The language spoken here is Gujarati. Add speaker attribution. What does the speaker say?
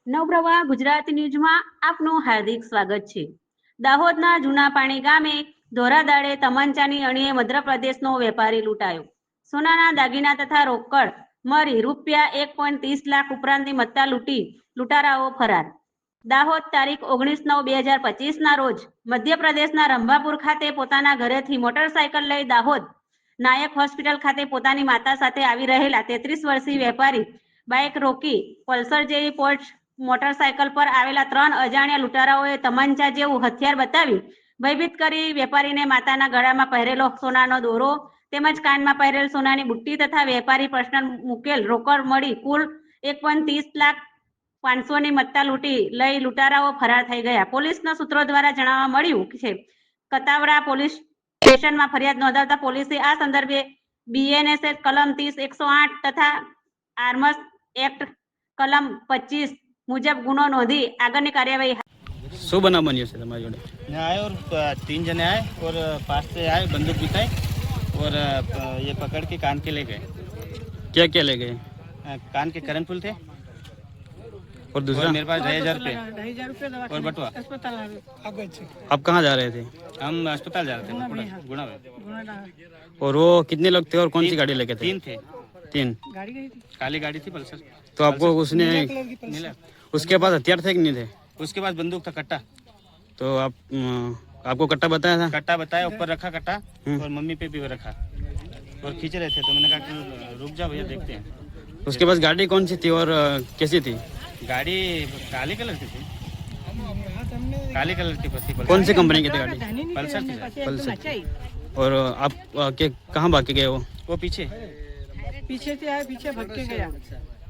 Speaker 1: નવપ્રવાહ ગુજરાતી ન્યૂઝમાં આપનું હાર્દિક સ્વાગત છે. દાહોદના જૂના પાણી ગામે ધોરાદાડે તમંચાની અણીએ મધ્યપ્રદેશનો વેપારી લૂંટાયો. સોનાના દાગીના તથા રોકડ મળી રૂપિયા 1.30 લાખ ઉપરાંતની મત્તા લૂંટી લૂંટારાઓ ફરાર. દાહોદ તારીખ 19/9/2025ના રોજ મધ્યપ્રદેશના રંભાપુર ખાતે પોતાના ઘરેથી મોટરસાયકલ લઈ દાહોદ નાયક હોસ્પિટલ ખાતે પોતાની માતા સાથે આવી રહેલા 33 વર્ષીય વેપારી બાઇક રોકી પલ્સર જેવી પોર્શ મોટરસાયકલ પર આવેલા 3 અજાણ્યા લૂંટારાઓએ તમંચા જેવું હથિયાર બતાવી ભયભીત કરી વેપારીને માતાના ગળામાં પહેરેલો સોનાનો દોરો તેમજ કાનમાં પહેરેલ સોનાની બુટ્ટી તથા વેપારી પર્સનલ મૂકેલ રોકડ મળી કુલ 1.30 લાખ 500ની મત્તા લૂંટી લઈ લૂંટારાઓ ફરાર થઈ ગયા. પોલીસના સૂત્રો દ્વારા જાણવા મળ્યું છે કતાવડા પોલીસ સ્ટેશનમાં ફરિયાદ નોંધાવતા પોલીસે આ સંદર્ભે BNSS કલમ 30(108) તથા આર્મ્સ એક્ટ કલમ 25 मुजब गुनो नोंधी आगे कार्यवाही।
Speaker 2: शो बना बनियो से तुम्हारी जोड़े
Speaker 3: आए और 3 जने आए और पास से आए बंदूक दिखाई और ये पकड़ के कान के ले गए।
Speaker 2: क्या क्या ले गए?
Speaker 3: कान के कर्णफूल थे
Speaker 2: और दूसरा
Speaker 3: और मेरे पास 2,500 रुपये और बटुआ।
Speaker 2: आप कहाँ जा रहे थे?
Speaker 3: हम अस्पताल जा रहे थे गुणा में।
Speaker 2: और वो कितने लोग थे और कौन सी गाड़ी लेके थे?
Speaker 3: 3 थे।
Speaker 2: 3
Speaker 3: काली गाड़ी थी पल्सर।
Speaker 2: तो आपको उसने
Speaker 3: मिला
Speaker 2: उसके पास हथियार थे कि नहीं थे?
Speaker 3: उसके पास बंदूक था कट्टा।
Speaker 2: तो आपको कट्टा बताया था?
Speaker 3: कट्टा बताया ऊपर रखा कट्टा और मम्मी पे भी रखा और खींच रहे थे तो मैंने कहा कि रुक जाओ भैया देखते हैं।
Speaker 2: उसके पास गाड़ी कौन सी थी और कैसी थी?
Speaker 3: गाड़ी काले कलर की थी। काले कलर की थी।
Speaker 2: कौन सी कंपनी की थी गाड़ी?
Speaker 3: पल्सर थी।
Speaker 2: पल्सर। और आप कहाँ भाग के गए? वो
Speaker 3: पीछे
Speaker 4: पीछे से आया, पीछे भाग के गया।